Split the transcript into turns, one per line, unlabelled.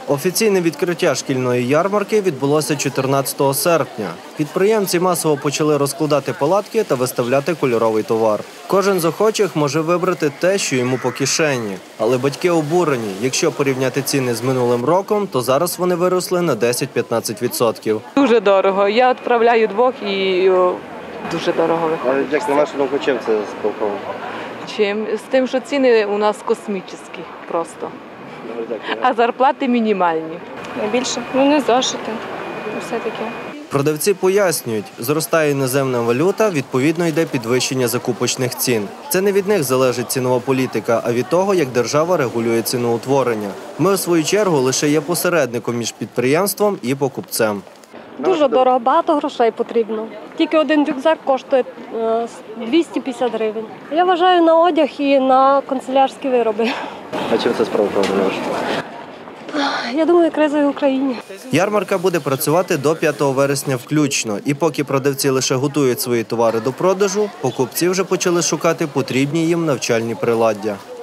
Офіційне відкриття шкільної ярмарки відбулося 14 серпня. Підприємці масово почали розкладати палатки та виставляти кольоровий товар. Кожен з охочих може вибрати те, що йому по кишені. Але батьки обурені. Якщо порівняти ціни з минулим роком, то зараз вони виросли на 10-15%.
Дуже дорого. Я відправляю двох і дуже дорого виходить.
Як на вашу думку, чим це спілково?
З тим, що ціни у нас космічні просто. А зарплати мінімальні.
Найбільше? Не зошити. Все таке.
Продавці пояснюють, зростає іноземна валюта, відповідно йде підвищення закупочних цін. Це не від них залежить цінова політика, а від того, як держава регулює ціноутворення. Ми, у свою чергу, лише є посередником між підприємством і покупцем.
Дуже дорого, багато грошей потрібно. Тільки один рюкзак коштує 250 гривень. Я вважаю на одяг і на канцелярські вироби.
А чим це справа правда?
Я думаю, криза в Україні.
Ярмарка буде працювати до 5 вересня включно. І поки продавці лише готують свої товари до продажу, покупці вже почали шукати потрібні їм навчальні приладдя.